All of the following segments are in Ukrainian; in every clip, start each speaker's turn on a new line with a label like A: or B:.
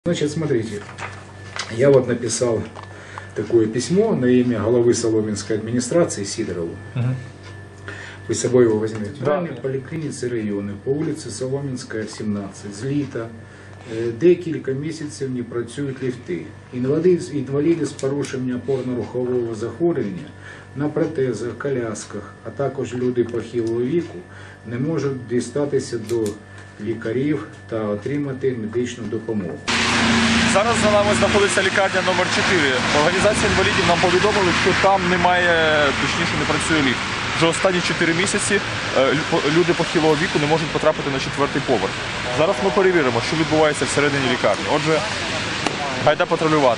A: Значит, смотрите, я вот написал такое письмо на имя главы Соломенской администрации Сидорову. Вы с собой его возьмете.
B: Да.
A: В поліклініці району по вулиці Соломінська, 17, з літа декілька місяців не працюють ліфти. Інваліди з порушенням опорно-рухового захворювання на протезах, колясках, а також люди похилого віку не можуть дістатися до лікарів та отримати медичну допомогу.
B: Зараз за нами знаходиться лікарня номер 4. Організація інвалідів нам повідомили, що там немає, точніше не працює ліфт. Вже останні 4 місяці люди похилого віку не можуть потрапити на 4-й поверх. Зараз ми перевіримо, що відбувається всередині лікарні. Отже, гайда патрулювати.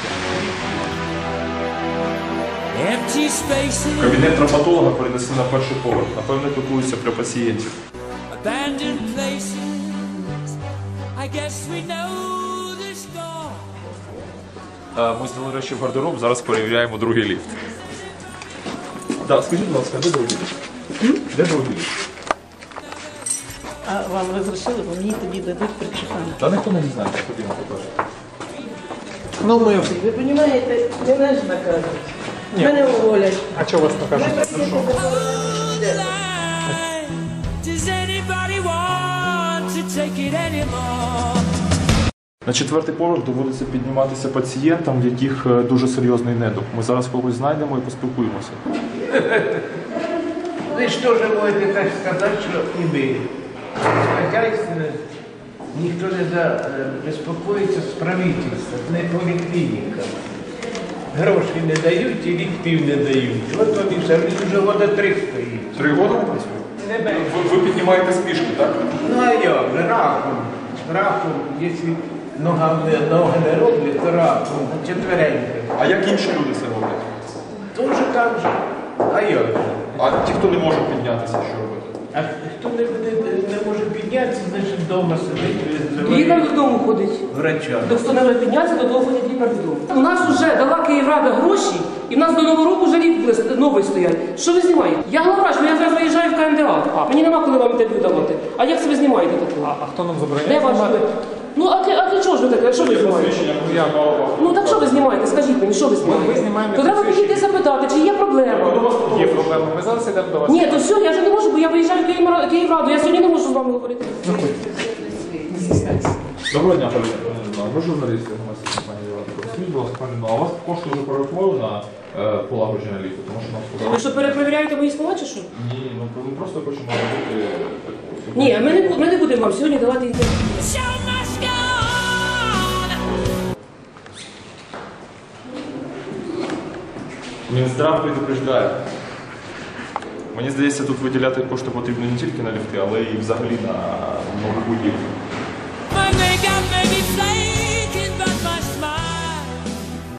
B: Кабінет травматолога перенесли на 1-й поверх. Напевно, піклуються про пацієнтів. Ми зняли речі в гардероб, зараз перевіряємо другий ліфт. Так, скажіть, будь ласка, де другий ліфт? Де другий ліфт?
C: А вам розрішили, бо мені тоді дадуть причитання.
B: Та ніхто не знає, ходімо, покажемо.
C: Ну, ви розумієте, мене ж наказують. Мене уволять.
B: А чого вас покажуть? На 4-й поверх доводиться підніматися пацієнтам, в яких дуже серйозний недуг. Ми зараз когось знайдемо і поспілкуємося.
D: Ви ж теж можете так сказати, що і ми. Хазяйственно ніхто не безпокоїться з правительством, не поліклініками. Гроші не дають і ліфтів не дають. От вони все, вже года 3 стоїть.
B: 3 роки не працює?
D: Не менше.
B: Ви піднімаєте спішки, так?
D: Ну а як же, раком. Раком, якщо ноги не роблять, то раком, четвереньки.
B: А як інші люди це роблять?
D: Тоже так же. А як же?
B: А ті, хто не може піднятися, що робити?
D: А хто не може піднятися, значить вдома сидить,
E: Лікар додому ходить.
D: врача.
E: До хто не може піднятися, до того ходять лікар додому. У нас вже дала Київрада гроші, і в нас до Нового року вже ліфт новий стоять. Що ви знімаєте? Я главврач, я зараз виїжджаю в КМДА. Мені нема коли вам інтерв'ю давати. А як це ви знімаєте таке?
B: А хто нам забороняє?
E: Де ваш ви? Ну, а для чого ж ви таке? Що ви знімаєте? Ну, так що ви знімаєте? Скажіть мені, що ви знімаєте? То треба підійти запитати, чи є проблема.
B: Є проблема. Ми зараз йдемо до вас.
E: Ні, то все, я вже не можу, бо я виїжджаю в Київраду. Я сьогодні не можу з вами говорити.
B: Доброго дня, пані. Ви журналісти громадської компанії «Європа». Скажіть, будь ласка, пані, а у вас кошти вже перерахували на полагодження ліфту? Тому що нам сказали...
E: Ви що, перепровіряєте мої слова, чи що?
B: Ні, ми просто хочемо робити...
E: Ні, ми не будемо вам сьогодні давати інтерв'ю.
B: Мінздрав предупреждає. Мені здається, тут виділяти кошти потрібно не тільки на ліфти, але і взагалі на нову будівлю.